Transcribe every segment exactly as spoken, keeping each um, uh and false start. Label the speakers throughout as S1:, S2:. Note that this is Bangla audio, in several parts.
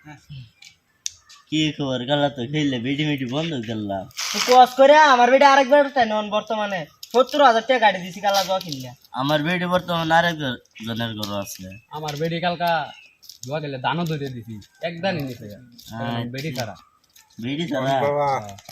S1: কি খবর গালা তো খেললে বেডি মেডি বন্ধ করলাম
S2: তো কোয়াস করে আমার বেডি আরেকবার তাই নন বর্তমানে সত্তর হাজার টাকা গাড়ি দিছি কালা জোয়া কিনলে
S1: আমার বেডি বর্তমানে আরেক জনের ঘর আছে
S3: আমার বেডি কালকা জোয়া গেলে দানও ধরে দিছি একদানই নিছে বেডি ছাড়া
S1: বেডি ছাড়া
S4: বাবা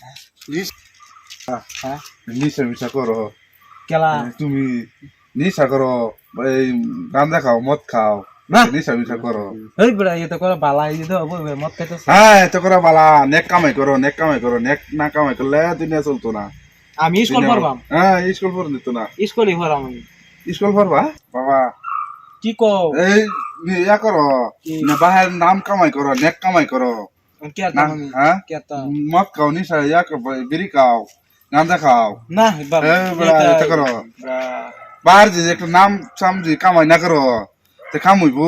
S3: হ্যাঁ
S4: নিশা মিশা করো
S3: কেলা
S4: তুমি নিশা করো এই গাঁজা খাও মদ খাও
S3: না
S4: নিশা মিশা করো
S3: এই বড়া এই তো করে বালা এই তো বই মত খাইতে
S4: হ্যাঁ এত করে বালা নেক কামাই করো নেক কামাই করো নেক না কামাই করলে দুনিয়া চলতো না
S3: আমি স্কুল পড়বাম
S4: হ্যাঁ স্কুল পড় দিত না
S3: স্কুলই পড়াম আমি
S4: স্কুল পড়বা বাবা
S3: কি কো
S4: এই ইয়া করো না বাহির নাম কামাই করো নেক কামাই করো
S3: কে
S4: না
S3: তা আমি
S4: হ্যাঁ
S3: কে তা
S4: মদ খাও নিশা ইয়া বিড়ি খাও গাঁজা খাও
S3: না বাবা
S4: এই বড়া এটা করো বাহির যে একটা নাম সামজি কামাই না করো তে কামুইবো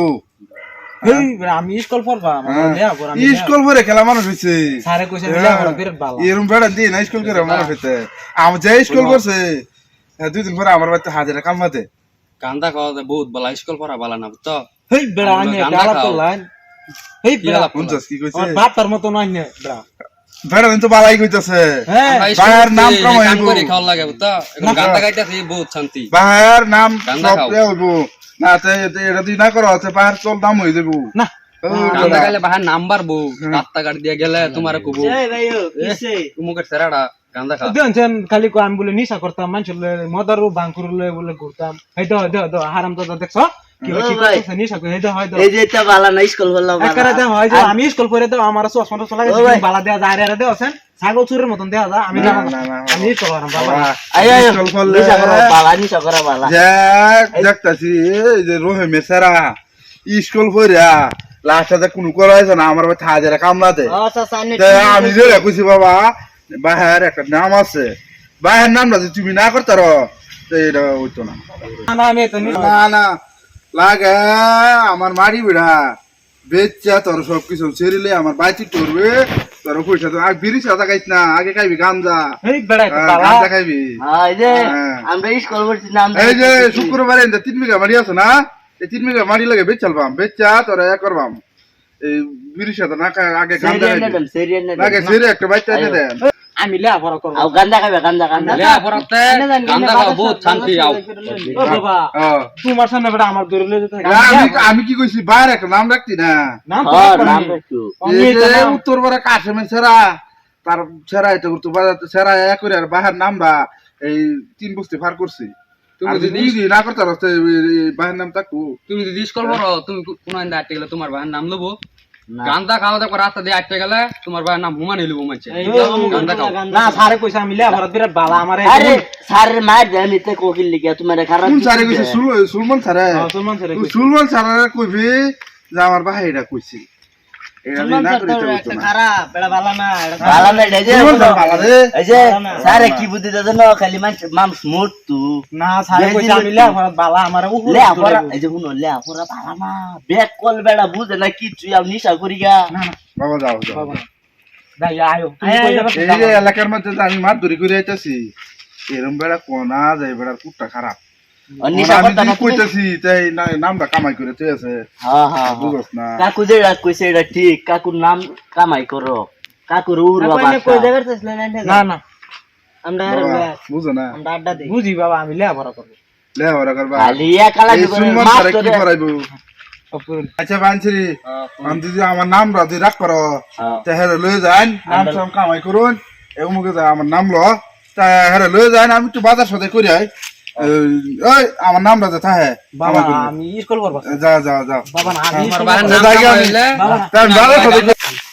S3: এই বড়া আমি স্কুল পড়বাম লেয়া পড় আমি
S4: স্কুল পড়ে খেলা মানুষ হইছে
S3: সারে কইছে লেয়া পড় বিরাট বালা
S4: এরম বেড়া দিয়ে না স্কুল করে মানুষ হইতে আমি যে স্কুল করছে দুই দিন পরে আমার বাড়িতে হাজারে কামাতে
S5: কান্দা খাওয়া বহুত বালা স্কুল পড়া বালা না বুঝতো
S3: এই বড়া আমি গালা তো লাইন এই বড়া
S4: শুনছস কি কইছে
S3: আমার বাপের মত নয় না বড়া
S4: বেড়া দিন তো বালাই কইতাছে
S3: হ্যাঁ
S4: বাহার নাম
S5: কাম
S4: কামাইবো
S5: করে খাওয়া লাগে বুঝতো এখন গান্দা গাইতাছি বহুত শান্তি
S4: বাহার নাম
S5: গান্দা
S4: সব
S5: খাও।
S4: হইবো না তে এটা তুই না করো তে বাহার চল দাম হই দেবো
S3: না
S5: গান্দা গাইলে বাহার নাম্বার বউ রাস্তা গাড়ি দিয়ে গেলে তোমার কবু
S2: এই ভাই ও কিসে
S5: মুখের সেরাটা গান্দা খাও
S3: দেন খালি কো আমি বলে নিশা করতাম মানুষ মদারু বাঙ্কুর বলে ঘুরতাম এই দাও দাও দাও হারাম তো দেখছ কি
S2: ও
S3: কি
S2: ভাই।
S3: করতেছে নিশা করে এই দাও হয় দাও
S2: এই যে এটা বালা না স্কুল বললাম
S3: একারে দাও হয় দাও আমি স্কুল করে দাও আমার চশমাটা চলা
S2: ও ভাই।
S3: গেছে বালা দেওয়া যায় রে দেও আছেন ছাগল চুরের মতন দেওয়া যায় আমি
S4: না,
S3: জানো
S4: না,
S3: না
S4: না,
S3: আমি স্কুল করাম বাবা
S4: বাবা,
S2: আয় আয়
S4: স্কুল করলে
S2: নিশা করো বালা নিশা করো বালা
S4: দেখ দেখতাছি এই যে রোহে মেসারা স্কুল পড়া লাস্টে কোনো করা হয়েছে না আমার বাড়িতে হাজারে কামলাতে
S2: আচ্ছা সামনে
S4: তা আমি যে কইছি বাবা বাহার একটা নাম আছে বাহার নামটা যদি তুমি না করতে পারো তো এটা হইতো না
S3: না আমি তো নিশা
S4: না না লাগে আমার মারি বিড়া বেচ্চা তোর সব কিছু ছেড়িলে আমার বাইচি করবে তোর পয়সা তো আগে বিড়ি সাদা খাইছ না আগে খাইবি গাঞ্জা
S3: এই বেড়া একটা
S4: হ্যাঁ,
S3: বালা
S4: গাঞ্জা খাইবি
S2: এই যে
S4: হ্যাঁ।
S2: আমরা স্কুল করছি নাম
S4: এই যে শুক্রবারে এনতে তিন বিঘা মারি আছে না এই তিন বিঘা মারি লাগে বেচ চালবাম বেচা তোরা এক করবাম এই বিড়ি সাদা না খাই আগে গাঞ্জা
S2: সেরিয়ান
S4: খাইবি
S2: নেন সেরিয়ান নেন
S4: লাগে ছেড়ে একটা বাইচা এনে দেন
S3: আমি লেয়া পড়া করব
S2: আও গান্দা খাবে গান্দা গান্দা
S5: লেয়া পড়াতে গান্দা খাওয়া বহুত শান্তি আও
S3: ও বাবা
S4: হ্যাঁ।
S3: তোমার সামনে বেড়া আমার দূরে লয়ে যেতে
S4: না, আমি আমি কি কইছি বাইরে একটা নাম রাখতি না
S3: নাম
S2: হ্যাঁ
S3: তো
S2: নাম
S3: নাম
S2: একটু
S3: আমি
S4: এই
S3: তো
S4: যে
S3: নাম-
S4: উত্তর পাড়া কাশেমের সেরা তার সেরা এটা করতো বাজাতে সেরা এক করে আর বাহার নামটা এই তিন বস্তি পার করছি
S5: তুমি
S4: আর
S5: যদি
S4: যদি না করতে পারো বাহার নাম থাকবো
S5: তুমি যদি স্কুল পড়ো তুমি কোন আইন্দা আটকে গেলে তোমার ভাইয়ের নাম লবো গান্দা খাওয়া দেখো রাস্তা দিয়ে আটকে গেলে তোমার ভাইয়ের নাম হুমান লবো মানছে গান্দা খাও
S3: না সারে কইছে আমি লেয়া পড়া বিরাট বালা আমার এই
S2: আরে স্যারের মার জানি তে কোকিল লিখে তোমার খারাপ
S4: কোন সারে কইছে সুল- সুলমান সারে
S3: মুসলমান ছেলে কইছে
S4: সুলমান সারে কইবি যে আমার ভাই এটা কইছি এটা যদি না করি তো হইতো না
S2: খারাপ বেড়া বালা না বালা না এই যে
S4: সুলমান সারে ভালো রে
S2: এই যে স্যারে কি বুদ্ধি দাদা না খালি মানুষ মাম স্মুথ তু
S3: না সারে কইছে আমি লেয়া পড়া বালা আমার উপরে
S2: লে আপরা এই যে হুনো লে আপরা বালা না ব্যাক কল বেড়া বুঝে না কি তুই আর নিশা করি গা
S3: না না
S4: বাবা যাও যাও
S3: বাবা দাই আয়ো তুমি
S2: আয়,
S3: কই
S2: আয়,
S3: যাবে
S4: এই যে এলাকার মধ্যে যে আমি মাছ ধরি করে আইতাছি এরম বেড়া কোনা যায় বেড়ার কুটটা খারাপ
S2: আর নিশা
S4: আমি
S2: করতা না
S4: যদি কইতাছি তাই না- নামটা কামাই করে তুই আছে
S2: হ্যাঁ হ্যাঁ
S4: বুঝছ না
S2: কাকু যেটা কইছে এটা ঠিক কাকুর নাম কামাই করো কাকুর উড়বা বাসা
S3: না না
S2: আমরা
S4: বাবা, বুঝো না
S2: আমরা আড্ডা দিই
S3: বুঝি বাবা আমি লেয়া পড়া করব
S4: লে ওরা করবা
S2: খালি একালা
S4: এই
S2: জীবনে
S4: সুলমান
S2: মাছ
S4: সারে কি
S2: ধরে
S4: করাইবো আচ্ছা বানছিরি আমি যদি আমার নাম রাজি রাখ করো
S2: হ্যাঁ।
S4: তা হেরে লয়ে যান নাম সাম কামাই করুন এমুকে যা আমার নাম ল তা হেরে লয়ে যান আমি একটু বাজার সাথে করি আই ওই আমার নাম রাজা থাহে
S3: বাবা আমি স্কুল করব
S4: যা যা যা
S3: বাবা না আমি
S5: তোমার
S3: স্কুল
S5: ভাইয়ের
S3: করবো।
S5: নাম
S4: জায়গা
S5: হইলে
S3: বাবা না।
S4: তাই বাজার সাথে